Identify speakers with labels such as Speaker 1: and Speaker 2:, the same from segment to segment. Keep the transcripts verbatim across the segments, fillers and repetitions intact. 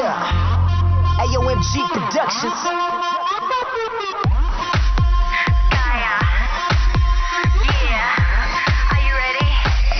Speaker 1: Yeah. Ayo M G Productions.
Speaker 2: Gaia. Yeah. Are you ready?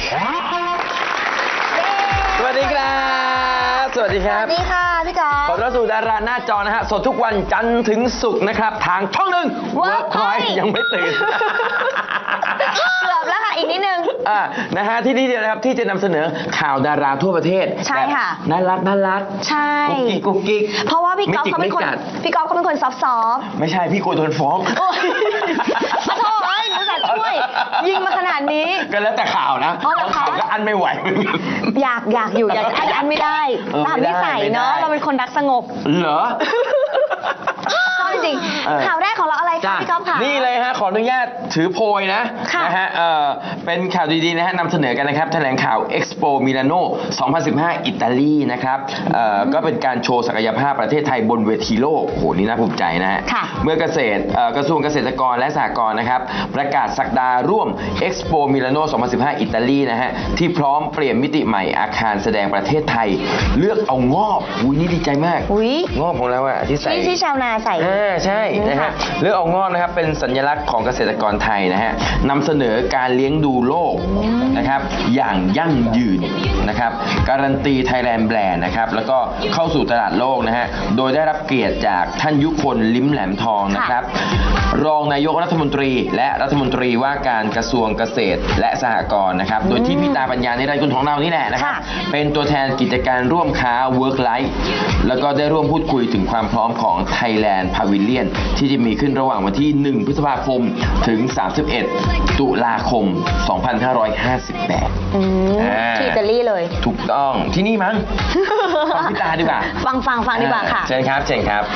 Speaker 3: สวัสดีครับสวัสดีครับ
Speaker 4: สวัสดีค่ะพี่กอล์ฟ
Speaker 3: ขอต้อนรับสู่ดาราหน้าจอนะฮะสดทุกวันจันทร์ถึงศุกร์นะครับทางช่องหนึ่ง
Speaker 4: Workpoint
Speaker 3: ยังไม่ตื่น
Speaker 4: เกือบแล้วค่ะอีกนิดนึง
Speaker 3: อ่านะฮะที่นี่เดียวนะครับที่จะนำเสนอข่าวดาราทั่วประเทศ
Speaker 4: ใช่ค่ะ
Speaker 3: แบบน่ารักน่ารัก
Speaker 4: ใช่
Speaker 3: กุ๊กกิ๊กกุ๊กกิ๊ก
Speaker 4: เพราะว่าพี่กอล์ฟเขาเป็นคน
Speaker 3: ไม่จิกไม่กัด
Speaker 4: พี่กอล์ฟเขาเป็นคนซอฟต์ซอฟต์
Speaker 3: ไม่ใช่พี่กลัวโดนฟ้อง
Speaker 4: โอ้ยขอโทษเอ้ยหนูจะช่วยยิงมาขนาดนี้
Speaker 3: ก็แล้วแต่ข่าวนะ
Speaker 4: อ๋อเหรอคะ
Speaker 3: ข่าวก็อันไม่ไหวเหมือนกัน
Speaker 4: อยากอยากอยู่อยากอันอันไม่ได้
Speaker 3: เออ
Speaker 4: ตาม
Speaker 3: ไม่
Speaker 4: นิ
Speaker 3: ได้
Speaker 4: สัย
Speaker 3: ไม่ได้
Speaker 4: เนาะเราเป็นคนรักสงบ
Speaker 3: เหรอ
Speaker 4: ชอบจริง
Speaker 3: เออ
Speaker 4: ๆข่าวแรกของเราอะไรคะ
Speaker 3: จ้ะ
Speaker 4: พี่กอล์ฟค่ะ
Speaker 3: นี่เลยฮะขออนุญาตถือโพยนะ
Speaker 4: ค่ะ
Speaker 3: นะฮะเอ่อเป็นข่าวดีๆนะฮะนำเสนอกันนะครับแถลงข่าว Expo Milano สองพันสิบห้า อิตาลีนะครับเอ่อก็เป็นการโชว์ศักยภาพประเทศไทยบนเวทีโลกโอ้โหนี่น่าภูมิใจนะฮะ
Speaker 4: ค่ะ
Speaker 3: เมื่อเกษตรเอ่อกระทรวงเกษตรกรและสหกรณ์นะครับประกาศสักดาร่วม Expo Milano สองพันสิบห้า อิตาลีนะฮะที่พร้อมเปลี่ยนมิติใหม่อาคารแสดงประเทศไทย เลือกเอางอบอุ้ยนี่ดีใจมาก
Speaker 4: อุ๊ย
Speaker 3: งอบของเราอะที่ใส่
Speaker 4: ที่ที่ชาวนาใส่
Speaker 3: อ่าใช่นะ
Speaker 4: ค่ะ
Speaker 3: ฮะเลือกเอางอกนะครับเป็นสัญลักษณ์ของเกษตรกรไทยนะฮะนำเสนอการเลี้ยงดูโลกนะครับอย่างยั่งยืนนะครับการันตีไทยแลนด์แบรนด์นะครับแล้วก็เข้าสู่ตลาดโลกนะฮะโดยได้รับเกียรติจากท่านยุคลลิ้มแหลมทองนะครับรองนายกรัฐมนตรีและรัฐมนตรีว่าการกระทรวงเกษตรและสหกรณ์นะครับโดยที่พี่ตาปัญญาในรายการของเรานี่แหละนะครับ
Speaker 4: ค่ะ
Speaker 3: เป็นตัวแทนกิจการร่วมค้า Work Life แล้วก็ได้ร่วมพูดคุยถึงความพร้อมของ Thailand Pavilion ที่จะมีขึ้นระหว่างวันที่ หนึ่ง พฤษภาคม ถึง สามสิบเอ็ด ตุลาคม สองพันห้าร้อยห้าสิบแปด
Speaker 4: อืม
Speaker 3: อ่า
Speaker 4: ที่อิตาลีเลย
Speaker 3: ถูกต้องที่นี่มั้ง ฟังพี่ตาดีกว่า
Speaker 4: ฟังฟังฟังดีกว่าค่ะ
Speaker 3: เชิญครับเชิญครับ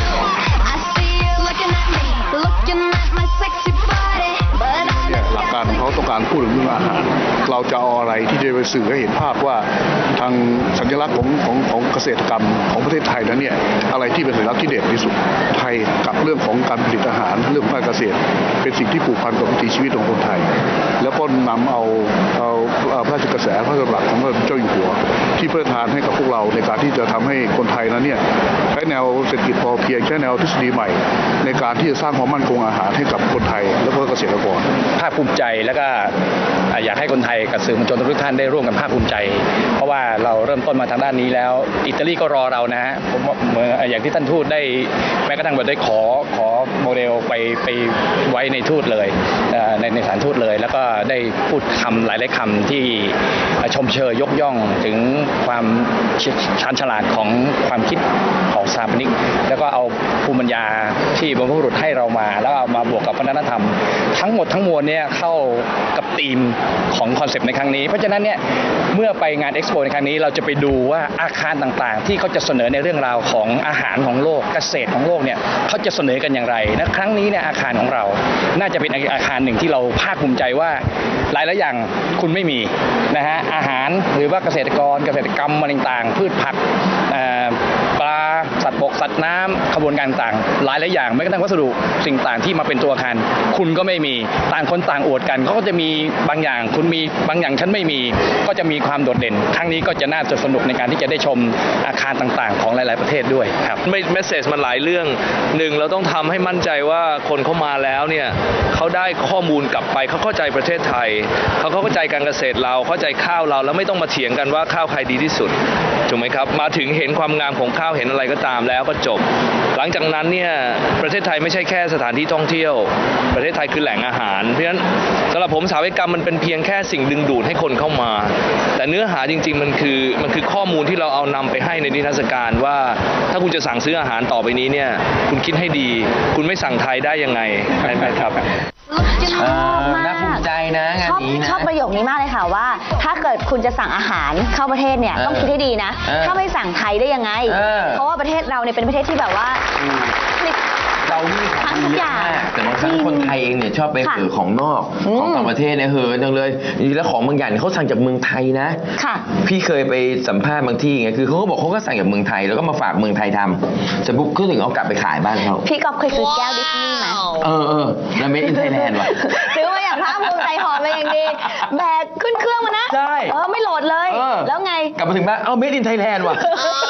Speaker 2: I see you looking at me, looking at my sexy body, but I
Speaker 5: เนี่ยหลักการของเขาต้องการพูดถึงเรื่องอาหาร เราจะเอาอะไรที่จะไปสื่อให้เห็นภาพว่าทางสัญลักษณ์ของของของเกษตรกรรมของประเทศไทยนั้นเนี่ยอะไรที่เป็นสัญลักษณ์ที่เด่นที่สุดไทยกับเรื่องของการผลิตอาหารเรื่องของการเกษตร เป็นสิ่งที่ผูกพันกับวิถีชีวิตของคนไทย แล้วก็นำเอาเอาเอาพระราชกระแสพระราชดำรัสของพระเจ้าอยู่หัว ที่พระราชทานให้กับพวกเราในการที่จะทำให้คนไทยนั้นเนี่ยใช้แนวเศรษฐกิจพอเพียงใช้แนวทฤษฎีใหม่ ในการที่จะสร้างความมั่นคงอาหารให้กับคนไทยและก็เกษตรกร
Speaker 6: ภาคภูมิใจแล้วก็อยากให้คนไทยกับสื่อมวลชนทุกท่านได้ร่วมกันภาคภูมิใจ เพราะว่าเราเริ่มต้นมาทางด้านนี้แล้วอิตาลีก็รอเรานะฮะผมว่าเมื่ออย่างที่ท่านทูตได้แม้กระทั่งแบบได้ขอขอโมเดลไปไปไว้ในทูตเลยเอ่อในในสถานทูตเลย แล้วก็ได้พูดคำหลายๆคำที่ชมเชยยกย่องถึงความชาญฉลาดของความคิดของสถาปนิกแล้วก็เอาภูมิปัญญาที่บรรพบุรุษให้เรามาแล้วเอามาบวกกับวัฒนธรรม ทั้งหมดทั้งมวลเนี่ยเข้ากับธีมของคอนเซปต์ในครั้งนี้เพราะฉะนั้นเนี่ยเมื่อไปงานเอ็กซ์โปในครั้งนี้เราจะไปดูว่าอาคารต่างๆ ที่เขาจะเสนอในเรื่องราวของอาหารของโลกเกษตรของโลกเนี่ยเขาจะเสนอกันอย่างไรและครั้งนี้เนี่ยอาคารของเราน่าจะเป็นอาคารหนึ่งที่เราภาคภูมิใจว่าหลายๆอย่างคุณไม่มีนะฮะอาหารหรือว่าเกษตรกรเกษตรกรรมอะไรต่างๆพืชผักเอ่อปลาสัตว์บกสัตว์น้ำขบวนการต่างหลายหลายอย่างแม้กระทั่งวัสดุสิ่งต่างที่มาเป็นตัวอาคารคุณก็ไม่มีต่างคนต่างอวดกันเขาก็จะมีบางอย่างคุณมีบางอย่างฉันไม่มีก็จะมีความโดดเด่นครั้งนี้ก็จะน่าจะสนุกในการที่จะได้ชมอาคารต่างๆ ของหลายๆประเทศด้วยครับ
Speaker 7: ไม่เมสเซจมันหลายเรื่องหนึ่งเราต้องทำให้มั่นใจว่าคนเข้ามาแล้วเนี่ยเขาได้ข้อมูลกลับไปเขาเข้าใจประเทศไทยเขาเข้าใจการเกษตรเราเข้าใจข้าวเราแล้วไม่ต้องมาเถียงกันว่าข้าวใครดีที่สุดถูกไหมครับมาถึงเห็นความงามของข้าวเห็นอะไรก็ตามแล้วก็จบ หลังจากนั้นเนี่ยประเทศไทยไม่ใช่แค่สถานที่ท่องเที่ยวประเทศไทยคือแหล่งอาหารเพราะฉะนั้นสำหรับผมสถาปัตยกรรมมันเป็นเพียงแค่สิ่งดึงดูดให้คนเข้ามาแต่เนื้อหาจริงๆมันคือมันคือข้อมูลที่เราเอานำไปให้ในนิทรรศการว่าถ้าคุณจะสั่งซื้ออาหารต่อไปนี้เนี่ยคุณคิดให้ดีคุณไม่สั่งไทยได้ยังไงใช่ไหมครับ
Speaker 4: ชอบมาก
Speaker 3: น่าภูมิใจนะงาน
Speaker 4: ชอบ
Speaker 3: นี้นะ
Speaker 4: ชอบประโยคนี้มากเลยค่ะว่า ถ้าเกิดคุณจะสั่งอาหารเข้าประเทศเนี่ย
Speaker 3: เออ
Speaker 4: ต้องคิดให้ดีนะ
Speaker 3: เออ
Speaker 4: ถ้าไม่สั่งไทยได้ยังไง
Speaker 3: เออ
Speaker 4: เพราะว่าประเทศเราเนี่ยเป็นประเทศที่แบบว่าผลิต
Speaker 3: เรานี่ของดีเยอะมากแต่บางครั้งคนไทยเองเนี่ยชอบไป
Speaker 4: ค่ะ
Speaker 3: เห่อของนอก
Speaker 4: อืม
Speaker 3: ของต่างประเทศเนี่ยเห่อจังเลยจริงๆแล้วของบางอย่างเนี่ยเขาสั่งจากเมืองไทยนะ
Speaker 4: ค่ะ
Speaker 3: พี่เคยไปสัมภาษณ์บางที่ไงคือเขาก็บอกเขาก็สั่งจากเมืองไทยแล้วก็มาฝากเมืองไทยทำเสร็จปุ๊บก็ถึงเอากลับไปขายบ้านเขา
Speaker 4: พี่ก๊อฟเคยซื้อแก้วดิสนีย์ไหม
Speaker 3: เออเออแล้วเมดอินไทยแลนด์ว่ะ
Speaker 4: ซื้อมาอย่างภาคภูมิใจหอมมาอย่างดีแบกขึ้นเครื่องมานะ
Speaker 3: ใช่
Speaker 4: เออไม่โหลดเลย
Speaker 3: เออ
Speaker 4: แล้วไง
Speaker 3: กลับมาถึงบ้านเอ้าเมดอินไทยแลนด์ว่ะ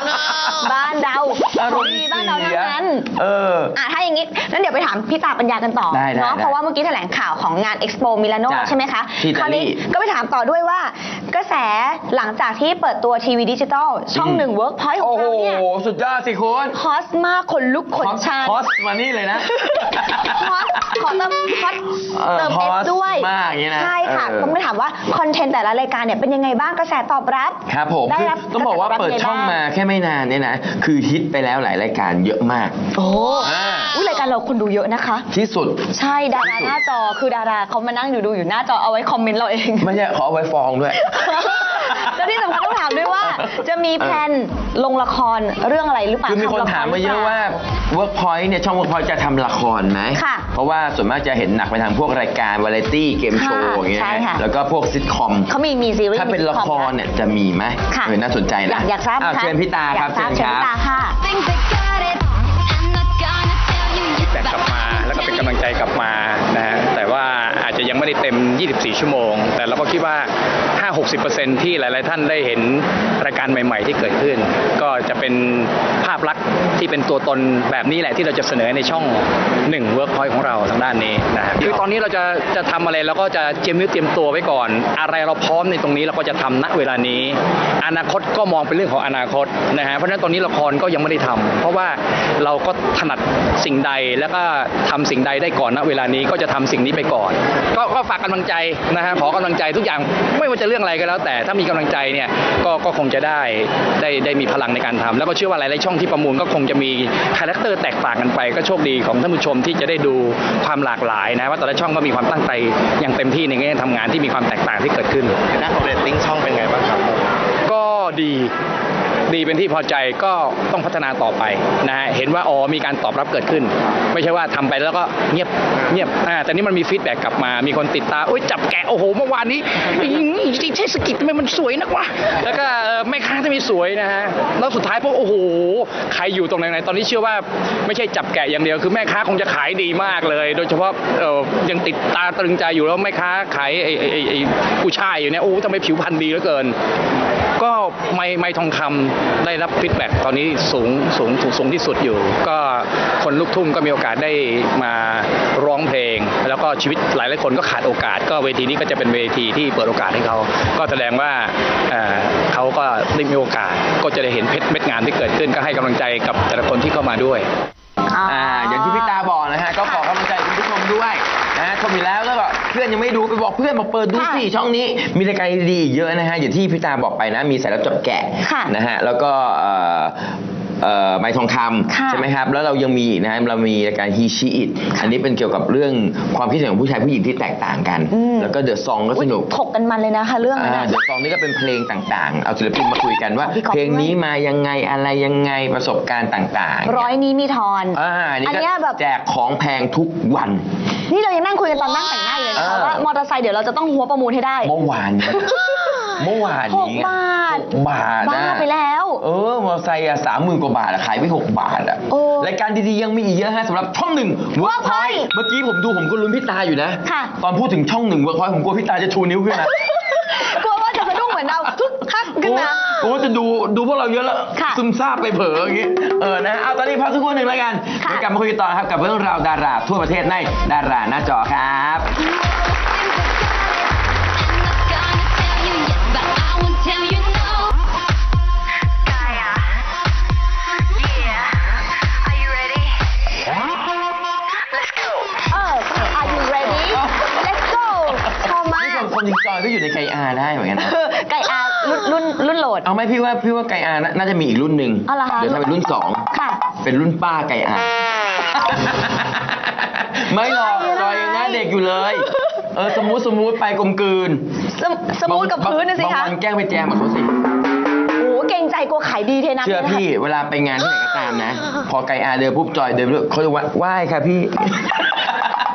Speaker 4: บ้านเรา
Speaker 3: อารมณ์
Speaker 4: ดีบ้านเราทั้งนั้น
Speaker 3: เออ
Speaker 4: อ่ะถ้าอย่างนี้นั้นเดี๋ยวไปถามพี่ตาปัญญากันต่อ
Speaker 3: ได้ได้
Speaker 4: เนาะ
Speaker 3: ได้
Speaker 4: เพราะว่าเมื่อกี้แถลงข่าวของงาน Expo Milano
Speaker 3: จ้ะ
Speaker 4: ใช่ไหมคะ
Speaker 3: ที่อิ
Speaker 4: ค
Speaker 3: ตาลี
Speaker 4: ราวนี้ก็ไปถามต่อด้วยว่ากระแสหลังจากที่เปิดตัวทีวีดิจิตอลช่องหนึ่ง Workpoint ขอ
Speaker 3: โอ้
Speaker 4: ง
Speaker 3: โห
Speaker 4: เราเนี่ย
Speaker 3: สุดยอดสิคุณ
Speaker 4: ฮอตมากขนลุกขนชัน
Speaker 3: ฮอสมานี่เลยนะ
Speaker 4: ฮอตขอเติมฮอต
Speaker 3: เออ
Speaker 4: เติม
Speaker 3: ฮ
Speaker 4: เอ
Speaker 3: อ
Speaker 4: ฟ
Speaker 3: ต
Speaker 4: ด้วย
Speaker 3: มากอย่างนี้นะ
Speaker 4: ใช่ค่ะ
Speaker 3: เออ
Speaker 4: ผมไปถามว่าคอนเทนต์แต่ละรายการเนี่ยเป็นยังไงบ้างกระแสตอบรับ
Speaker 3: ครับผม
Speaker 4: ได้
Speaker 3: คือ
Speaker 4: รับ
Speaker 3: ต้องบอกว่าเปิดช่องมาแค่ไม่นานเนี่ยนะ คือฮิตไปแล้วหลายรายการเยอะมาก
Speaker 4: โอ้
Speaker 3: อ่า
Speaker 4: อุ้ยรายการเราคนดูเยอะนะคะ
Speaker 3: ที่สุด
Speaker 4: ใช่ดาราหน้าจอคือดาราเขามานั่งอยู่ดูอยู่หน้าจอเอาไว้คอมเมนต์เราเอง
Speaker 3: ไม่ใช่ขอเอาไว้ฟองด้วย
Speaker 4: แล้วที่สำคัญต้องถามด้วยว่า จะมีแพลนลงละครเรื่องอะไรหรือเปล่า
Speaker 3: คือมีคน
Speaker 4: ทำละร
Speaker 3: ถามมาเยอะว่า Workpoint เนี่ยช่อง Workpoint จะทำละครไหม
Speaker 4: ค่ะ
Speaker 3: เพราะว่าส่วนมากจะเห็นหนักไปทางพวกรายการวาไรตี้เกมโชว์
Speaker 4: ค่ะ
Speaker 3: อย่างเงี้ย
Speaker 4: ใช่ค่ะ
Speaker 3: แล้วก็พวกซิทคอม
Speaker 4: เขามีมีซีรีส์
Speaker 3: ถ้าเป็นละครเนี่ยจะมีไหม
Speaker 4: ค่ะ
Speaker 3: เออน่าสนใจ
Speaker 4: อยา
Speaker 3: นะ
Speaker 4: กอยากทราบไหม
Speaker 3: อ้าว
Speaker 4: คะ
Speaker 3: เชิญพี่ตาครับ
Speaker 4: อยากทราบ
Speaker 3: เชิญครับ
Speaker 4: เชิญพี่ตาค่ะ
Speaker 2: Think they got it. I'm not gonna tell you yet.
Speaker 6: แต่กลับมาแล้วก็เป็นกำลังใจกลับมานะฮะแต่ว่าอาจจะยังไม่ได้เต็ม ยี่สิบสี่ ชั่วโมง แต่เราก็คิดว่า ห้าถึงหกสิบเปอร์เซ็นต์ ที่หลาย ๆ ท่านได้เห็นรายการใหม่ ๆ ที่เกิดขึ้น ก็จะเป็นภาพลักษณ์ที่เป็นตัวตนแบบนี้แหละที่เราจะเสนอในช่องหนึ่ง Workpoint ของเราทางด้านนี้นะฮะคือตอนนี้เราจะจะทำอะไรเราก็จะเตรียมเนื้อเตรียมตัวไว้ก่อน อะไรเราพร้อมในตรงนี้เราก็จะทำณเวลานี้ อนาคตก็มองเป็นเรื่องของอนาคตนะฮะเพราะฉะนั้นตอนนี้ละครก็ยังไม่ได้ทำเพราะว่าเราก็ถนัดสิ่งใดแล้วก็ทำสิ่งใดได้ก่อนณเวลานี้ก็จะทำสิ่งนี้ไปก่อน ก็ก็ฝากกำลังใจนะฮะขอกำลังใจทุกอย่างไม่ว่าจะเรื่องอะไรก็แล้ว แต่ถ้ามีกำลังใจเนี่ยก็ก็คงจะได้ได้ได้มีพลังในการทำแล้วก็เชื่อว่าหลายๆช่องที่ประมูลก็คงจะมีคาแรคเตอร์แตกต่างกันไปก็โชคดีของท่านผู้ชมที่จะได้ดูความหลากหลายนะว่าแต่ละช่องก็มีความตั้งใจอย่างเต็มที่ในแง่ทำงานที่มีความแตกต่างที่เกิดขึ้น
Speaker 8: หน้าของเรตติ้งช่องเป็นไงบ้างครับ
Speaker 6: ก็ดีดีเป็นที่พอใจก็ต้องพัฒนาต่อไปนะฮะเห็นว่าอ๋อมีการตอบรับเกิดขึ้น ไม่ใช่ว่าทำไปแล้วก็เงียบเงียบอ่าแต่นี่มันมีฟีดแบ็กกลับมามีคนติดตามโอ้ยจับแกะโอ้โหเมื่อวานนี้เทศกิจทำไมมันสวยนักวะแล้วก็เอ่อแม่ค้าทำไมสวยนะฮะแล้วสุดท้ายพวกโอ้โหใครอยู่ตรงไหนๆตอนนี้เชื่อว่าไม่ใช่จับแกะอย่างเดียวคือแม่ค้าคงจะขายดีมากเลย โดยเฉพาะเอ่อยังติดตาตรึงใจอยู่แล้วแม่ค้าขายไอ้ไอ้ไอ้ไอ้ผู้ชายอยู่เนี่ยโอ้ทำไมผิวพรรณดีเหลือเกินก็ไม่ไม่ทองคำได้รับฟีดแบ็กตอนนี้สูงสูงสูงสูงที่สุดอยู่ ก็คนลูกทุ่งก็มีโอกาสได้มาร้องเพลง แล้วก็ชีวิตหลายหลายคนก็ขาดโอกาส ก็เวทีนี้ก็จะเป็นเวทีที่เปิดโอกาสให้เขาก็แสดงว่าเอ่อเขาก็ได้มีโอกาสก็จะได้เห็นเพชรเม็ดงานที่เกิดขึ้นก็ให้กำลังใจกับแต่ละคนที่เข้ามาด้วย
Speaker 3: อ่าอย่างที่พี่ตาบอกนะฮะก็ขอกำลังใจคุณผู้ชมด้วยนะฮะชมอยู่แล้วแล้วก็เพื่อนยังไม่ดูไปบอกเพื่อนมาเปิดดูสิช่องนี้มีรายการดีๆอีกเยอะนะฮะอย่างที่พี่ตาบอกไปนะมีสายลับจับแกะ
Speaker 4: ค่ะ
Speaker 3: นะฮะแล้วก็เอ่อเอ่อไม้ทองค
Speaker 4: ค่ะ
Speaker 3: ำใช่ไหมครับแล้วเรายังมีอีกนะฮะเรามีรายการฮีชีอิตอันนี้เป็นเกี่ยวกับเรื่องความคิดเห็นของผู้ชายผู้หญิงที่แตกต่างกัน
Speaker 4: อืม
Speaker 3: แล้วก็เดอะซองก็สนุก
Speaker 4: ถกกันมันเลยนะคะเรื่องนั้น
Speaker 3: อ่า
Speaker 4: น่ะ
Speaker 3: เดอะซองนี่ก็เป็นเพลงต่างๆ เอาศิลปินมาคุยกันว่า
Speaker 4: ของพี่ก๊อฟ
Speaker 3: เพลงนี้มายังไงอะไรยังไงประสบการณ์ต่างๆ
Speaker 4: ร้อยนี้มีทอน
Speaker 3: อ่านี่
Speaker 4: อัน
Speaker 3: ก็
Speaker 4: เนี้ยแบบ
Speaker 3: แจกของแพงทุกวัน
Speaker 4: นี่เรายังนั่งคุยกันตอนนั่งแต่งหน้าอยู่เลยนะคะ
Speaker 3: เออ
Speaker 4: ว่ามอเตอร์ไซค์เดี๋ยวเราจะต้องหัวประมูลให้ได้
Speaker 3: เมื่อวานเนี่ยเมื่อวาน
Speaker 4: ห
Speaker 3: นี้
Speaker 4: กบาท
Speaker 3: หกบาท
Speaker 4: บ้า
Speaker 3: นะ
Speaker 4: ไปแล้ว
Speaker 3: เออมอเตอร์ไซค์อะสามหมื่นกว่าบาทอะขายไปหกบาทอะ
Speaker 4: โอ้
Speaker 3: รายการดีๆยังมีอีกเยอะฮะสำหรับช่องหนึ่ง
Speaker 4: Workpoint
Speaker 3: เมื่อกี้ผมดูผมก็ลุ้นพี่ตาอยู่นะ
Speaker 4: ค่ะ
Speaker 3: ตอนพูดถึงช่องหนึ่ง Workpoint ผมกลัวพี่ตาจะชูนิ้วขึ้นนะ
Speaker 4: กลัวว่าจะสะดุ้งเหมือนเราทุกคักขึ้นมา
Speaker 3: โอ้จะดูดูพวกเราเยอะแล้ว
Speaker 4: ค่ะ
Speaker 3: ซึมซาบไปเผลออย่างงี้เออนะเอาตอนนี้พักสักครู่หนึ่งแล้วกัน
Speaker 4: ค่ะ
Speaker 3: เดี๋ยวกลับมาคุยกันต่อครับกับเรื่องราวดาราทั่วประเทศในดาราหน้าจอครับ
Speaker 2: I'm not gonna tell you yet, but I won't tell you no. Gaia, yeah, are you ready? Let's go.
Speaker 4: เออ Are you ready Let's go ชอบมาก
Speaker 3: นี่คนจริงจอยก็อยู่ในไกอาได้เหมือนกันนะ
Speaker 4: ไก่อารุ่นรุ่นรุ่นโหลด
Speaker 3: เอาไหมพี่ว่าพี่ว่าไกอาน่าน่าจะมีอีกรุ่นหนึ่ง
Speaker 4: อ๋อเหรอคะ
Speaker 3: เดี๋ยวถ้าเป็นรุ่นสอง
Speaker 4: ค่ะ
Speaker 3: เป็นรุ่นป้าไกอา ไม่หรอกจอยยังหน้าเด็กอยู่เลย เออสมูทสมูทไปกลมกลืน
Speaker 4: สมสมูทกับพื้นนะสิ
Speaker 3: บาง
Speaker 4: คะ
Speaker 3: วันแกล้งไปแจมกับเขาสิ
Speaker 4: โอ้เก่งใจกลัวขายดีเทน้ำ
Speaker 3: เชื่อ
Speaker 4: ลยนะคะ
Speaker 3: พี่เวลาไปงานที่ไหนก็ตามนะ พอไกอาเดินปุ๊บจอยเดินไปด้วยเขาจะว่าไหว้ค่ะพี่
Speaker 4: มาค่ะ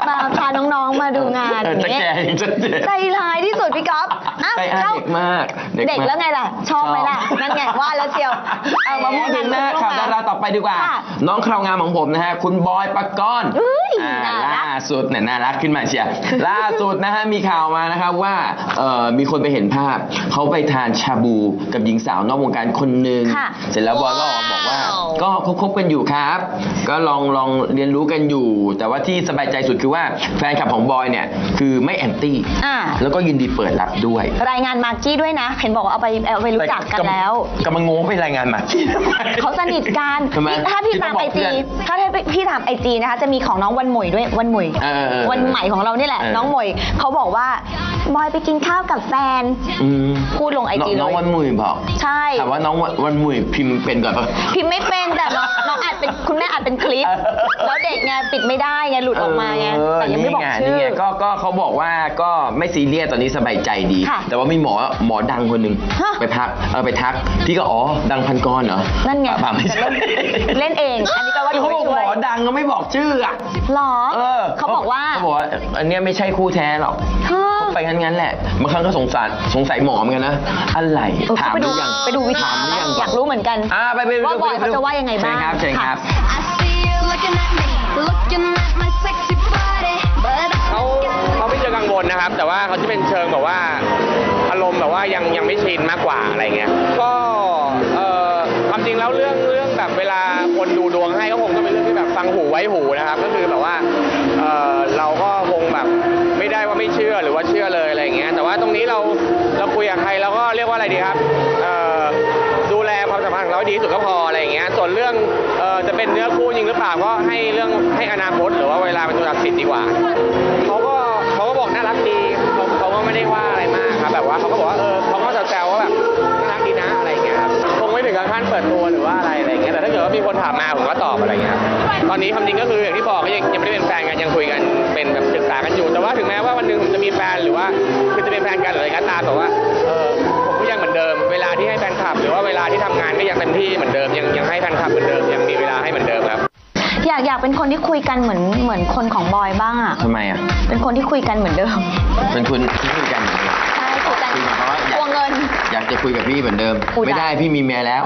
Speaker 4: าน้องๆมาดูงาน
Speaker 3: เออจะ
Speaker 4: เนี่ย
Speaker 3: แก่จะแก่
Speaker 4: ใจร้ายที่สุดพี่ก๊อฟอ่ะ
Speaker 3: ใจอา
Speaker 4: เข้า
Speaker 3: เด็กมาก
Speaker 4: เด็ก
Speaker 3: มาก
Speaker 4: แล้วไงล่ะ ชอบไหมล่ะ นั่นไงว่าแล้วเชียว เอามาพูด
Speaker 3: ถึงหน้า
Speaker 4: พูด
Speaker 3: ข่าวดาราต่อไปดีกว่า
Speaker 4: ค่ะ
Speaker 3: น้องคราวงามของผมนะฮะ คุณบอยปกรณ์
Speaker 4: เอ้ย
Speaker 3: อ่า
Speaker 4: น่ารัก
Speaker 3: ล่าสุดเนี่ยน่ารักขึ้นมาเชียร์ ล่าสุดนะฮะ มีข่าวมานะครับว่าเอ่อมีคนไปเห็นภาพ เขาไปทานชาบูกับหญิงสาวนอกวงการคนหนึ่ง
Speaker 4: ค่ะ
Speaker 3: เสร็จแล้วบอยก็ออกมาบอกว่า ก็คบๆกันอยู่ครับ ก็ลองลองเรียนรู้กันอยู่ แต่ว่าที่สบายใจสุดคือว่าแฟนคลับของบอยเนี่ยคือไม่แอนตี้
Speaker 4: อ่า
Speaker 3: แล้วก็ยินดีเปิดรับด้วย
Speaker 4: รายงานมากกี้ด้วยนะ เห็นบอกว่าเอาไปเอาไปรู้จักกันแล้ว
Speaker 3: กำลังงงไปรายงานมา
Speaker 4: เขาสนิทกัน
Speaker 3: ทำไม
Speaker 4: ถ้าพี่ตาม
Speaker 3: ที่
Speaker 4: ไอ
Speaker 3: ต้องบอกเพื่
Speaker 4: จี
Speaker 3: อน
Speaker 4: ถ้าพี่ตามไอจีนะคะ จะมีของน้องวันหมวยด้วยวันหมวย
Speaker 3: เออเออ
Speaker 4: วันใหม่ของเรานี่แหละ
Speaker 3: เออ
Speaker 4: น้องหมวยเขาบอกว่าบอยไปกินข้าวกับแฟน
Speaker 3: อืม
Speaker 4: พูดลงไอจี
Speaker 3: น้อง
Speaker 4: เลย
Speaker 3: วันมุยบอก
Speaker 4: ใช่
Speaker 3: ถามว่าน้องวันวันมุยพิมพ์เป็นก่อนปะ
Speaker 4: พิมพ์ไม่เป็นแต่น้องน้องอัดเป็นคุณแม่อัดเป็นคลิป
Speaker 3: เออ
Speaker 4: แล้วเด็กไงปิดไม่ได้ไงหลุดออกมาไง
Speaker 3: เออ
Speaker 4: แต่ยังไม่บอก
Speaker 3: นี่
Speaker 4: ชื่อ
Speaker 3: นี่ไงก็ก็เขาบอกว่าก็ไม่ซีเรียสตอนนี้สบายใจดี
Speaker 4: ค่ะ
Speaker 3: แต่ว่ามีหมอหมอดังคนหนึ่ง
Speaker 4: ฮะ
Speaker 3: ไปทักเออไปทัก พี่ก็อ๋อดังพันกรเหรอ
Speaker 4: นั่นไง
Speaker 3: เปล่าไม่ใช่
Speaker 4: เล่นเอง อันนี้ก็ว่า
Speaker 3: เขาบอกหมอดังก็ไม่บอกชื่ออ่ะ
Speaker 4: หรอ
Speaker 3: เออ
Speaker 4: เขาบอกว่า
Speaker 3: เขาบอกว่าอันเนี้ยไม่ใช่คู่แท้หรอก
Speaker 4: ฮะ
Speaker 3: เขาไปงั้นงั้นๆแหละบางครั้งก็สงสารสงสัยหมอเหมือนกันนะอะไร
Speaker 4: เออ
Speaker 3: ถาม
Speaker 4: ไป
Speaker 3: ห
Speaker 4: ดู
Speaker 3: รือยัง
Speaker 4: ไปดูวิธี
Speaker 3: ถามหรือยัง
Speaker 4: อยากรู้เหมือนกัน
Speaker 3: อ่าไปไปไป
Speaker 4: ว่า
Speaker 3: ดู
Speaker 4: บอย
Speaker 3: ไปดู
Speaker 4: เขาจะว่ายังไงบ้าง
Speaker 3: เชิญครับเชิญครับ
Speaker 2: I see you looking at me, looking at my sexy body, but I
Speaker 9: เขาเขาไม่เชิงกังวลนะครับ แต่ว่าเขาจะเป็นเชิงแบบว่าอารมณ์แบบว่ายังยังไม่ชินมากกว่าอะไรเงี้ยก็เอ่อความจริงแล้วเรื่องเรื่องแบบเวลาคนดูดวงให้ก็คงต้องเป็นเรื่องที่แบบฟังหูไว้หูนะครับ ก็คือแบบว่าเอ่อเราก็คงแบบไม่ได้ว่าไม่เชื่อหรือว่าเชื่อเลยอะไรเงี้ยแต่ว่าตรงนี้เราเราคุยกับใครเราก็เรียกว่าอะไรดีครับเอ่อดูแลความสัมพันธ์ของเราให้ดีที่สุดก็พออะไรเงี้ยส่วนเรื่องเอ่อจะเป็นเนื้อคู่จริงหรือเปล่าก็ให้เรื่องให้อนาคตหรือว่าเวลาเป็นตัวตัดสินดีกว่าเขาก็เขาก็บอกน่ารักดีเขาเขาก็ไม่ได้ว่าอะไรมากครับแบบว่าเขาก็บอกว่าเออเขาก็แซวๆว่าแบบน่ารักดีนะอะไรเงี้ยครับคงไม่ถึงกับขั้นเปิดตัวหรือว่าอะไรอะไรเงี้ยแต่ถ้าเกิดว่ามีคนถามมาผมก็ตอบอะไรเงี้ยครับตอนนี้ความจริงก็คืออย่างที่บอกก็ยังยังไม่ได้เป็นแฟนกันยังคุยกันเป็นแบบศึกษากันอยู่แต่ว่าถึงแม้ว่าวันหนึงผมจะมีแฟนหรือว่าคือจะเป็นแฟนกันหรืออะไรก็ตามแต่ว่าเออผมก็ยังเหมือนเดิมเวลาที่ให้แฟนคลับ หรือว่าเวลาที่ทำงานก็ยังเต็มที่เหมือนเดิมยังยังให้แฟนคลับเหมือนเดิมยังมีเวลาให้เหมือนเดิมครับ
Speaker 4: อยากอยากเป็นคนที่คุยกันเหมือนเหมือนคนของบอยบ้างอ่ะ
Speaker 3: ทำไมอ่ะ
Speaker 4: เป็นคนที่คุยกันเหมือนเดิม
Speaker 3: เป็นคุณที่คุยกันเหมือนเดิม
Speaker 4: ใช่คุยกัน
Speaker 3: คุยกับเขาว่าอยาก
Speaker 4: ทวงเงิน
Speaker 3: อยากจะคุยกับพี่เหมือนเดิม
Speaker 4: อุ๊ย
Speaker 3: ไม่ได้พี่มีเมียแล้ว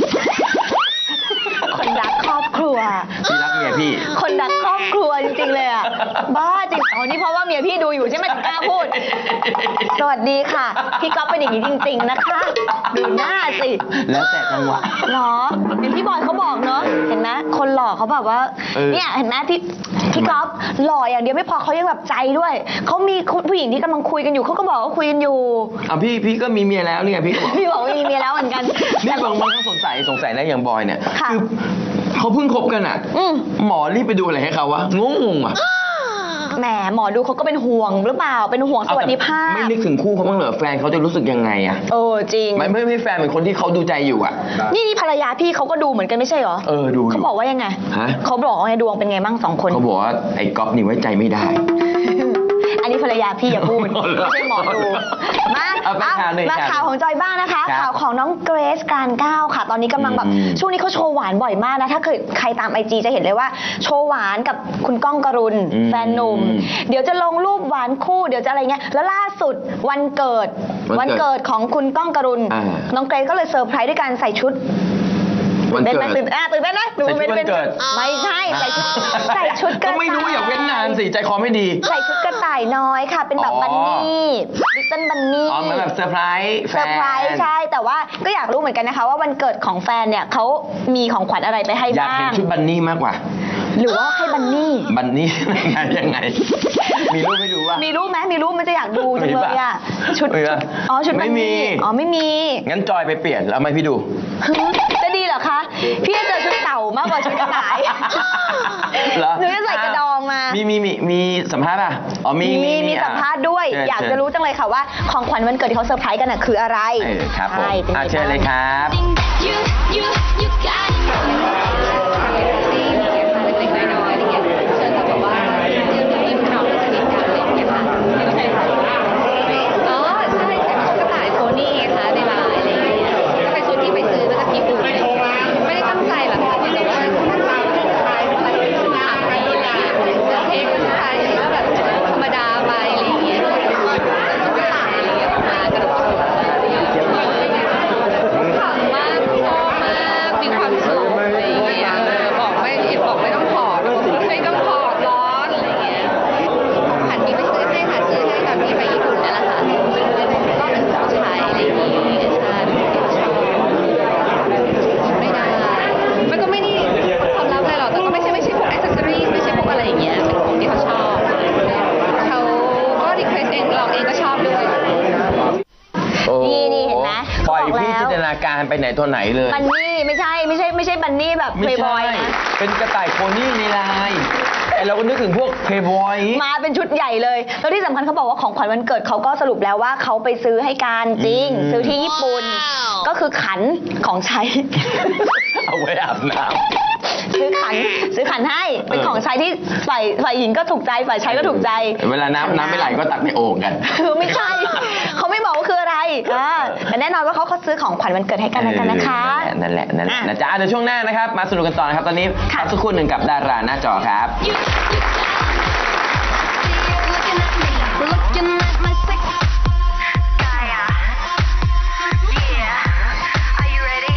Speaker 4: คนรักครอบครัว
Speaker 3: พี่รักเมียพี่
Speaker 4: คนรักครอบครัวจริงๆเลยอ่ะ บ้าจริงอ๋อนี่เพราะว่าเมียพี่ดูอยู่ใช่ไหมถึงกล้าพูด สวัสดีค่ะ พี่ก๊อฟเป็นอย่างนี้จริง ๆ นะคะ ดูหน้าสิ
Speaker 3: แล้วแต่จังหวะ
Speaker 4: หรออย่างที่บอยเขาบอกเนาะ เห็นไหมคนหล่อเขาแบบว่า
Speaker 3: เออ
Speaker 4: เนี่ยเห็นไหมพี่พี่ก๊อฟหล่ออย่างเดียวไม่พอเขายังแบบใจด้วย เขามีผู้หญิงที่กำลังคุยกันอยู่เขาก็บอกว่าคุยกันอยู่
Speaker 3: อ่ะพี่พี่ก็มีเมียแล้วเนี่ยพี่ก็บอก
Speaker 4: พี่บอกว่ามีเมียแล้วเหมือนกัน
Speaker 3: นี่บางบางครั้งสงสัยสงสัยนะอย่างบอยเนี่ย
Speaker 4: ค่ะ
Speaker 3: อเขาเพิ่งคบกันอ่ะ
Speaker 4: อืม
Speaker 3: หมอรีบไปดูอะไรให้เขาวะงงงๆอ่ะ
Speaker 4: แหมหมอดูเขาก็เป็นห่วงหรือเปล่า เป็นห่วงสวัสดิภาพ
Speaker 3: ไม่นึกถึงคู่เขาบ้างเหรอแฟนเขาจะรู้สึกยังไงอ่ะ
Speaker 4: เออจริง
Speaker 3: ไม่ไม่ไม่แฟนเป็นคนที่เขาดูใจอยู่อ่ะ
Speaker 4: นี่นี่ภรรยาพี่เขาก็ดูเหมือนกันไม่ใช่เหรอ
Speaker 3: เออดูอยู่
Speaker 4: เขาบอกว่ายังไง
Speaker 3: ฮะ
Speaker 4: เขาบอกว่าไงดวงเป็นไงบ้างสองคน
Speaker 3: เขาบอกว่าไอ้ก๊อฟนี่ไว้ใจไม่ได้
Speaker 4: อันนี้ภรรยาพี่อย่าพูด
Speaker 3: อ๋อเหรอ
Speaker 4: ไม่ใช่หมอดูมา
Speaker 3: เอาไปข่าวหนึ่ง
Speaker 4: มา
Speaker 3: ข่าว
Speaker 4: ข่าวของจอยบ้างนะคะ
Speaker 3: ครับ
Speaker 4: ข่าวของน้องเกรซการก้าวค่ะ ตอนนี้กำลังแบบ
Speaker 3: อืม
Speaker 4: ช่วงนี้เขาโชว์หวานบ่อยมากนะถ้าเคยใครตามไอจีจะเห็นเลยว่า โชว์หวานกับคุณก้องกรุณ
Speaker 3: อืม
Speaker 4: แฟนหนุ่ม เดี๋ยวจะลงรูปหวานคู่เดี๋ยวจะอะไรเงี้ยแล้วล่าสุดวันเกิด
Speaker 3: วันเกิด
Speaker 4: เกิดของคุณก้องกรุณ
Speaker 3: อ่า
Speaker 4: น้องเกรซก็เลยเซอร์ไพรส์ด้วยการใส่ชุด
Speaker 3: วัน
Speaker 4: ตื่น
Speaker 3: เกิ
Speaker 4: เต้นไหม
Speaker 3: ด
Speaker 4: ตื่นอ่ะตื่นเต้นไหมหรือ
Speaker 3: ใส่ชุด
Speaker 4: เป็น
Speaker 3: วันเกิด
Speaker 4: ไม่ใช่ใส่ชุดใส่ชุดกระ
Speaker 3: ก็ไม่รู้
Speaker 4: ต่าย
Speaker 3: อย่าเว้นนานสิใจคอไม่ดี
Speaker 4: ใส่ชุดกระต่ายน้อยค่ะ เป็นแบบ
Speaker 3: อ๋อ
Speaker 4: บันนี่ลิตเติ้ลบันนี่
Speaker 3: อ๋อเหมือนแบบเซอร์ไพรส์แฟ
Speaker 4: เซอน ร์ไพรส์ใช่ แต่ว่าก็อยากรู้เหมือนกันนะคะ ว่าวันเกิดของแฟนเนี่ยเขามีของขวัญอะไรไปให้
Speaker 3: อยาก
Speaker 4: บ้า
Speaker 3: เห็น
Speaker 4: ง
Speaker 3: ชุดบันนี่มากกว่า
Speaker 4: หรือว่าให้บันนี่
Speaker 3: บันนี่ ยังไงยังไง มีรูปให้ดูว่า
Speaker 4: มีรูปไหมมีรูปมันจะอยากดูจังเลยอ่ะ ชุด
Speaker 3: มีปะ
Speaker 4: อ๋อชุดบัน
Speaker 3: ไม่มี
Speaker 4: นี่อ๋อไม่มี
Speaker 3: งั้นจอยไปเปลี่ยนแล้วไหมพี่ดู
Speaker 4: จะดีเหรอคะ พี่จะเจอชุดเต่ามากกว่าชุดกระต่าย
Speaker 3: เหรอ
Speaker 4: หนูจะใส่กระดองมา
Speaker 3: มีมีมีมีสัมภาษณ์ป่ะอ๋อมี
Speaker 4: มีมี
Speaker 3: อ่ะ
Speaker 4: สัมภาษณ์ด้วย
Speaker 3: เชิญ
Speaker 4: อยากจะรู้จังเลยค่ะว่าของขวัญวันเกิดที่เขาเซอร์ไพรส์กันน่ะคืออะไร
Speaker 3: เออครับผม
Speaker 4: ใช่เป็นไง
Speaker 3: อ่ะเชิญเลยครับ
Speaker 2: you, you, you got it.
Speaker 10: เล็กๆน้อยๆอะไรเงี้ยเชิญเขาแบบว่ายิ้มเขาสนิทกันอะไรอย่างเงี้ยค่ะอ๋อใช่แต่ชุดกระต่ายโพนี่ไงคะในไลน์อะไรอย่างเงี้ยก็เป็นชุดที่ไปซื้อมาจากญี่ปุ่นไม่ได้ตั้งใจหรอกค่ะแต่ว่าตั้งใจว่าจะใช้อะไรชุดไทยอะไรอย่างเงี้ยเสื้อเทคชุดไทยก็แบบ
Speaker 4: เห็นไหม
Speaker 3: ปล่อย
Speaker 4: เขาบอก
Speaker 3: พี่
Speaker 4: แล้ว
Speaker 3: จินตนาการไปไหนตัวไหนเลย
Speaker 4: บันนี่ไม่ใช่ไม่ใช่ไม่ใช่บันนี่แบบเพ
Speaker 3: ไม่
Speaker 4: ย์บ
Speaker 3: ใช่
Speaker 4: อยนะ
Speaker 3: เป็นกระต่ายโพนี่ในลายไอเราก็นึกถึงพวกเพย์บอย
Speaker 4: มาเป็นชุดใหญ่เลยแล้วที่สำคัญเขาบอกว่าของขวัญวันเกิดเขาก็สรุปแล้วว่าเขาไปซื้อให้การจริง
Speaker 3: อืม
Speaker 4: ซื้อที่ญี่ปุ่นก็คือขันของใช้
Speaker 3: เอาไว้อาบน้
Speaker 4: ซื้อขันซื้อขันให้เป็น
Speaker 3: เออ
Speaker 4: ของใช้ที่ฝ่ายฝ่ายหญิงก็ถูกใจฝ่ายชายก็ถูกใจ
Speaker 3: ำเวลาน้ำน้ำไม่ไหลก็ตักในโอ่งกัน
Speaker 4: คือไม่ใช่ เขาไม่บอกว่าคืออะไรอ่าแต่แน่นอนว่าเขาเขาซื้อของขวัญวันเกิดให้กันแล้วกันนะคะ
Speaker 3: เออนั่นแหละนั่นแหละ
Speaker 4: อ่ะ
Speaker 3: นะจ๊ะเดี๋ยวช่วงหน้านะครับ มาสนุกกันต่อนะครับ ตอนนี้
Speaker 4: ค่ะ
Speaker 3: พักสักครู่หนึ่งกับดาราหน้าจอครับ
Speaker 2: Looking at my sex. Gaia. Yeah. Are you ready?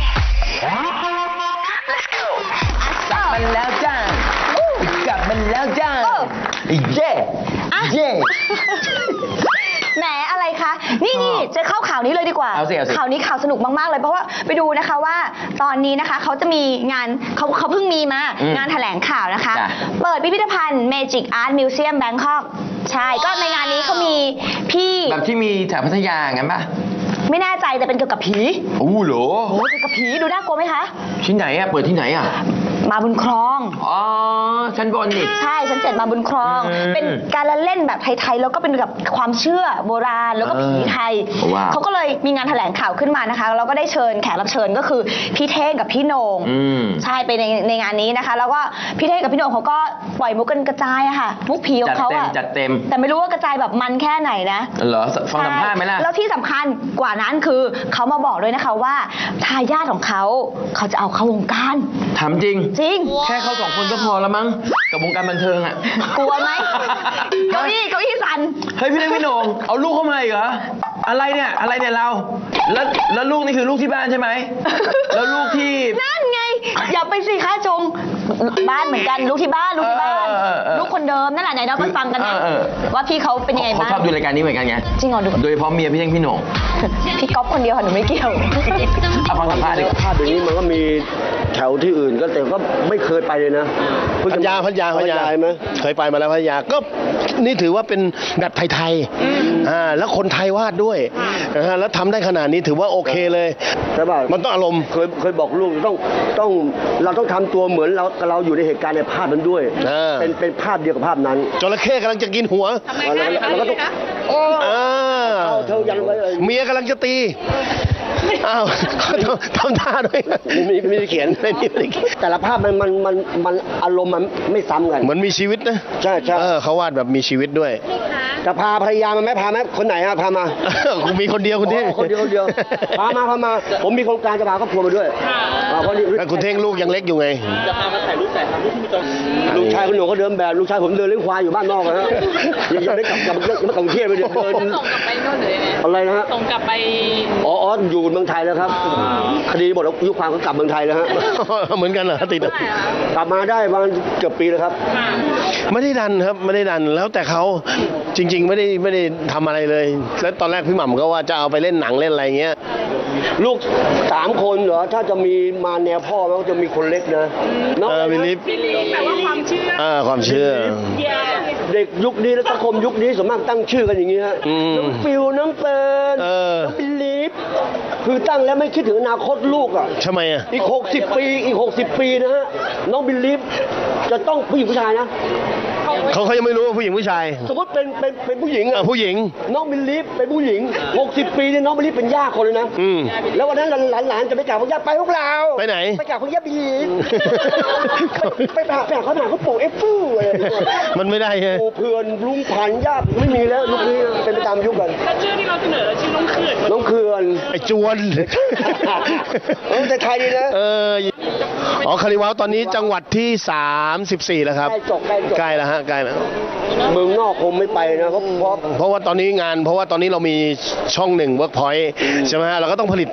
Speaker 2: Let's go.
Speaker 3: กลับมาแล้วจ้ากลับมาแล้วจ้า
Speaker 4: โอ้
Speaker 3: เย่
Speaker 4: อ่ะ
Speaker 3: เย่
Speaker 4: แหมอะไรคะ นี่นี่จะเข้าข่าวนี้เลยดีกว่า
Speaker 3: เอาสิเอาสิ
Speaker 4: ข่าวนี้ข่าวสนุกมากๆเลยเพราะว่าไปดูนะคะว่าตอนนี้นะคะเขาจะมีงานเขาเขาเพิ่งมีมา
Speaker 3: อืม
Speaker 4: งานแถลงข่าวนะคะ
Speaker 3: จ้ะ
Speaker 4: เปิดพิพิธภัณฑ์ Magic Art Museum Bangkok ใช่ก็ในงานนี้เขามีพี่
Speaker 3: แบบที่มีแถวพัทยางั้นปะ
Speaker 4: ไม่แน่ใจแต่เป็นเกี่ยวกับผี
Speaker 3: อู้เหรอ
Speaker 4: โอ้เกี่ยวกับผีดูน่ากลัวไหมคะ
Speaker 3: ที่ไหนอะเปิดที่ไหนอะ
Speaker 4: มาบุญครอง
Speaker 3: อ๋อชั้นบนนี่
Speaker 4: ใช่ชั้นเจ็ดมาบุญครอง
Speaker 3: อืม
Speaker 4: เป็นการละเล่นแบบไทยๆแล้วก็เป็นกับความเชื่อโบราณแล้วก็ผีไทย
Speaker 3: เออว้าว
Speaker 4: เขาก็เลยมีงานแถลงข่าวขึ้นมานะคะแล้วก็ได้เชิญแขกรับเชิญก็คือพี่เท่งกับพี่โหน่ง
Speaker 3: อืม
Speaker 4: ใช่ไปในในงานนี้นะคะ แล้วก็พี่เท่งกับพี่โหน่งเขาก็ปล่อยมุกกันกระจายอะค่ะมุกผีของเขา
Speaker 3: จัดเต็ม
Speaker 4: อะ
Speaker 3: จัดเต็ม
Speaker 4: แต่ไม่รู้ว่ากระจายแบบมันแค่ไหนนะ
Speaker 3: เหรอฟังสัมภาษณ์ไหมล่ะ
Speaker 4: ใช่แล้วที่สำคัญกว่านั้นคือเขามาบอกด้วยนะคะว่าทายาทของเขาเขาจะเอาเข้าวงการ
Speaker 3: ถามจริง
Speaker 4: จริง
Speaker 3: แค่เขาสองคนก็พอแล้วมั้งกับวงการบันเทิงอะ
Speaker 4: กลัวไหม เก้าอี้เก้าอี้สั่น
Speaker 3: เฮ้ยพี่เล็กพี่โหน่งเอาลูกเข้ามาอีกเหรออะไรเนี่ยอะไรเนี่ยเรา แล้วแล้วลูกนี่คือลูกที่บ้านใช่ไหมแล้วลูกที่
Speaker 4: นั่นไง อย่าไปสิคะจง บ้านเหมือนกันลูกที่บ้านลูกที่บ้าน
Speaker 3: เออเออเออ
Speaker 4: ลูกคนเดิมนั่นแหละไหนเราไปฟังกันนะ
Speaker 3: เออเออ
Speaker 4: ว่าพี่เขาเป็นยังไง
Speaker 3: เขา
Speaker 4: บ้าง
Speaker 3: ชอบดูรายการนี้เหมือนกันไง
Speaker 4: จริงเหรอดู
Speaker 3: โดยเฉพาะเมียพี่เล็กพี่โหน่ง
Speaker 4: พี่ก๊อฟคนเดียวค่ะหนูไม่เกี่ยว
Speaker 3: เอาฟังสัมภาษณ์ดีกว่า
Speaker 11: ภาพอย่างนี้มันก็มีแถวที่อื่นก็แต่ก็ไม่เคยไปเลยนะ
Speaker 12: พัทยาพัทยาพัทยา
Speaker 11: ไหม
Speaker 12: เคยไปมาแล้วพัทยาก็นี่ถือว่าเป็นแบบไทยๆอ่าแล้วคนไทยวาดด้วยนะฮะแล้วทำได้ขนาดนี้ถือว่าโอเคเลย
Speaker 11: ใช่ป่ะ
Speaker 12: มันต้องอารมณ์
Speaker 11: เคยเคยบอกลูกต้องต้องเราต้องทำตัวเหมือนเราเราอยู่ในเหตุการณ์ในภาพนั้นด้วย
Speaker 12: เออ
Speaker 11: เป็นเป็นภาพเดียวกับภาพนั้น
Speaker 12: จระเข้กำลังจะกินหัว
Speaker 11: เราเราก็ต้อง
Speaker 12: อ่า
Speaker 11: เอาเธอยันไว้เลย
Speaker 12: เมียกำลังจะตีอ้าวทำทำท่าด้วย
Speaker 11: ไม่มีไม่มีเขียน
Speaker 12: ไม่มีไม่มีเขียน
Speaker 11: แต่ละภาพมันมันมันมันอารมณ์มันไม่ซ้ำกัน
Speaker 12: เหมือนมีชีวิตนะ
Speaker 11: ใช่ใช่
Speaker 12: เออเขาวาดแบบมีชีวิตด้วย
Speaker 11: จะพาภรรยามาไหมพาไหมคนไหนอะพามา
Speaker 12: กูมีคนเดียวคุณเท่ง
Speaker 11: อ๋อคนเดียวคนเดียวพามาพามา ผมมีโครงการจะพาครอบครัวมาด้วยอ่าเพราะนี่
Speaker 12: แล้วคุณเท่งลูกยังเล็กอยู่ไง
Speaker 11: จะพามาถ่ายรูปแต่รูปที่มีตัวลูกชายคุณหนูก็เดินแบบลูกชายผมเดินเลี้ยงควายอยู่บ้านนอกนะฮะยังยังไม่กลับกลับยังไม่กลับกรุงเทพไปเดิน
Speaker 10: ส่งกลับไปโน่นเลยเนี่ย
Speaker 11: อะไรนะฮะ
Speaker 10: ส่งกลับไป
Speaker 11: อ๋ออ๋ออยู่เมืองไทยแล้วครับคดีหมดแล้วยุคความก็กลับเมืองไทยแล้วฮะ
Speaker 12: เหมือนกันเหรอติด
Speaker 11: กลับมาได้ประมาณเกือบปีแล้วครับ
Speaker 12: ไม่ได้ดันครับไม่ได้ดันแล้วแต่เขาจริง ๆ ไม่ได้ไม่ได้ทำอะไรเลย แล้วตอนแรกพี่หม่ำก็ว่าจะเอาไปเล่นหนังเล่นอะไรเงี้ย
Speaker 11: ลูกสามคนเหรอถ้าจะมีมาแนวพ่อมันก็จะมีคนเล็กนะน้อง
Speaker 12: เออวิลิฟ
Speaker 10: แปลว่าความเชื่อ
Speaker 12: อ่าความเชื่อ
Speaker 11: เด็กยุคนี้และสังคมยุคนี้ส่วนมากตั้งชื่อกันอย่างนี้ฮะ
Speaker 12: อืม
Speaker 11: น้องฟิวน้องเฟิร์น
Speaker 12: เออ
Speaker 11: น้องบิลีฟคือตั้งแล้วไม่คิดถึงอนาคตลูกอ่ะ
Speaker 12: ทำไมอ่ะ
Speaker 11: อีกหกสิบปีอีกหกสิบปีนะฮะน้องบิลีฟจะต้องผู้หญิงผู้ชายนะ
Speaker 12: เขาเขายังไม่รู้ว่าผู้หญิงผู้ชาย
Speaker 11: สมมติเป็นเป็นเป็นผู้หญิง
Speaker 12: อ่ะ
Speaker 11: อ่ะ
Speaker 12: ผู้หญิง
Speaker 11: น้องบิลีฟเป็นผู้หญิงหกสิบปีเนี่ยน้องบิลีฟเป็นย่าคนเลยนะ
Speaker 12: อืม
Speaker 11: แล้ววันนั้นหลานๆจะไปกราบพระย่าไปพวกเรา
Speaker 12: ไปไหน
Speaker 11: ไปกราบพระย่าบิลีฟไปไปหาไปหาเขาหนาเขาปลูกเอฟฟูอะไรอย่างเงี้ย
Speaker 12: มันไม่ได้ไง
Speaker 11: ปูเพื่อนลุงผันญาติไม่มีแล้วยุคนี้เป็นไปตามยุคกัน
Speaker 10: แล้วชื่อที่เราเสนอชื่อน้องเขื่อน
Speaker 11: น้องเขื่อน
Speaker 12: ไอ้จวน
Speaker 11: เออแต่ไทยดีนะ
Speaker 12: เอออ๋อคาริวาวตอนนี้จังหวัดที่สามสิบสี่แล้วครับ
Speaker 11: ใกล้จบใกล้จบ
Speaker 12: ใกล้แล้วฮะใกล้แล้ว
Speaker 11: เมืองนอกคงไม่ไปนะเพราะเพราะ
Speaker 12: เพราะว่าตอนนี้งาน เพราะว่าตอนนี้เรามีช่องหนึ่งเวิร์กพอยต์ใช่ไหมฮะเราก็ต้องผลิต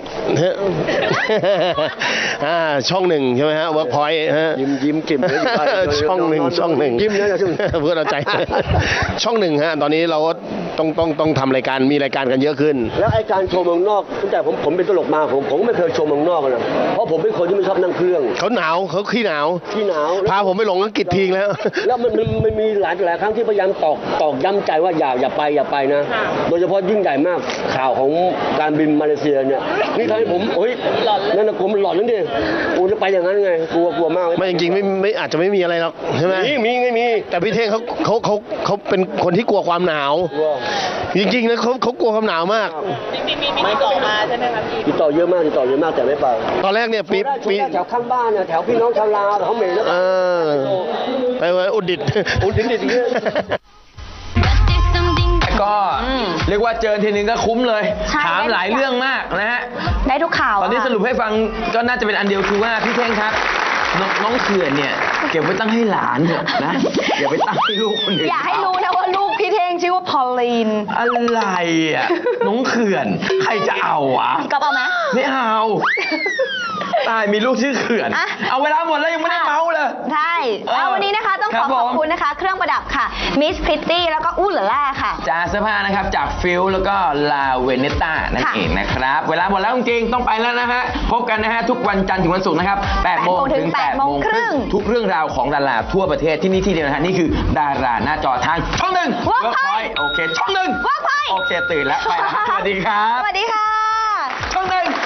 Speaker 12: อ่าช่องหนึ่งใช่ไหมฮะเวิร์กพอยต์ฮะ
Speaker 11: ยิ้มยิ้มกิ่มเลยอยู่บ้าน
Speaker 12: ช่องหนึ่งช่องหนึ่ง
Speaker 11: ยิ้มนะช่อง
Speaker 12: เพื่อเราใจ ช่องหนึ่งฮะตอนนี้เราก็ต้องต้องต้องทำรายการมีรายการกันเยอะขึ้น
Speaker 11: แล้วไอ้การโชว์เมืองนอกตั้งแต่ผมผมเป็นตลกมาผมผมก็ไม่เคยโชว์เมืองนอกเลยเพราะผมเป็นคนที่ไม่ชอบนั่งเครื่อง
Speaker 12: เเขาหนาวเขาขี้หนาว
Speaker 11: ขี้หนาว
Speaker 12: พาผมไปหลงอังกฤษทีแล้ว
Speaker 11: แล้วมันมันมันมีหลายหลายครั้งที่พยายามตอกตอกย้ำใจว่าอย่าอย่าไปอย่าไปนะ โดยเฉพาะยิ่งใหญ่มากข่าวของการบินมาเลเซียเนี่ยนี่ทำให้ผมเฮ้ยนั่นนะผมหลอนนั่นดิโอ้จะไปอย่างนั้นไงกลัวกลัวมาก
Speaker 12: ไม่จริงๆไม่ไม่อาจจะไม่มีอะไรหรอกใช่ไหม
Speaker 11: มีมีไม่มี
Speaker 12: แต่พี่เท่งเขาเขาเขาเขาเป็นคนที่กลัวความหนาว จริงๆนะเขาเขากลัวความหนาวมาก
Speaker 11: ไม่ต่อมาใช่ไหมครับติดต่อเยอะมากติดต่อเยอะมากแต่ไม่ไป
Speaker 12: ตอนแรกเนี่ยปี
Speaker 11: ปี
Speaker 12: ปี
Speaker 11: แถวข้างบ้านเนี่ยแถวพี่น้องชาวลาวเขาเหม็นแล้ว
Speaker 12: เออไปไว้อุดดิต
Speaker 11: อุดดิตอย่างเงี้ย
Speaker 3: ก็เรียกว่าเจอทีนึงก็คุ้มเลย
Speaker 4: ใช่
Speaker 3: ถามหลายเรื่องมากนะฮะ
Speaker 4: ได้ทุกข่าว
Speaker 3: ตอนนี้
Speaker 4: ค่ะ
Speaker 3: สรุปให้ฟังก็น่าจะเป็นอันเดียวคือว่าพี่เท่งครับนน้องเขื่อนเนี่ยเก็บไว้ตั้งให้หลานเถอะนะอย่าไปตั้งให้ลูกคนอื่น
Speaker 4: อย่าให้รู้นะว่าลูกพี่เท่งชื่อว่าพอลลีน
Speaker 3: อะไรอ่ะน้องเขื่อนใครจะเอาอ่ะ
Speaker 4: ก๊อฟเอาไหม
Speaker 3: ไม่เอาตายมีลูกชื่อเขื่อน
Speaker 4: อ่ะ
Speaker 3: เอาเวลาหมดแล้วยังไม่ได้เมาเลย
Speaker 4: ใช่
Speaker 3: เออ
Speaker 4: เอาวันนี้นะคะต้อง
Speaker 3: ค
Speaker 4: ข
Speaker 3: รั
Speaker 4: อบ ขอบ
Speaker 3: ผม
Speaker 4: คุณนะคะ เครื่องประดับค่ะมิสพริตตี้แล้วก็อู้หล่าล่าค่ะ
Speaker 3: จากเสื้อผ้านะครับจากฟิลแล้วก็ลาเวเนต้านั่น
Speaker 4: ค่ะ
Speaker 3: เองนะครับ เวลาหมดแล้วจริงๆต้องไปแล้วนะฮะพบกันนะฮะทุกวันจันทร์ถึงวันศุกร์นะครับแปดโมงถึงแปดโมงครึ่งทุกเรื่องราวของดาราทั่วประเทศที่นี่ที่เดียวนะฮะนี่คือดาราหน้าจอทางช่องหนึ่ง
Speaker 4: Workpoint
Speaker 3: โอเคช่องหนึ่ง
Speaker 4: Workpoint
Speaker 3: โอเคตื่นแล้วไปแล้วสวัสดีครับ
Speaker 4: สวัสดีค่ะ
Speaker 3: ช่องหนึ่ง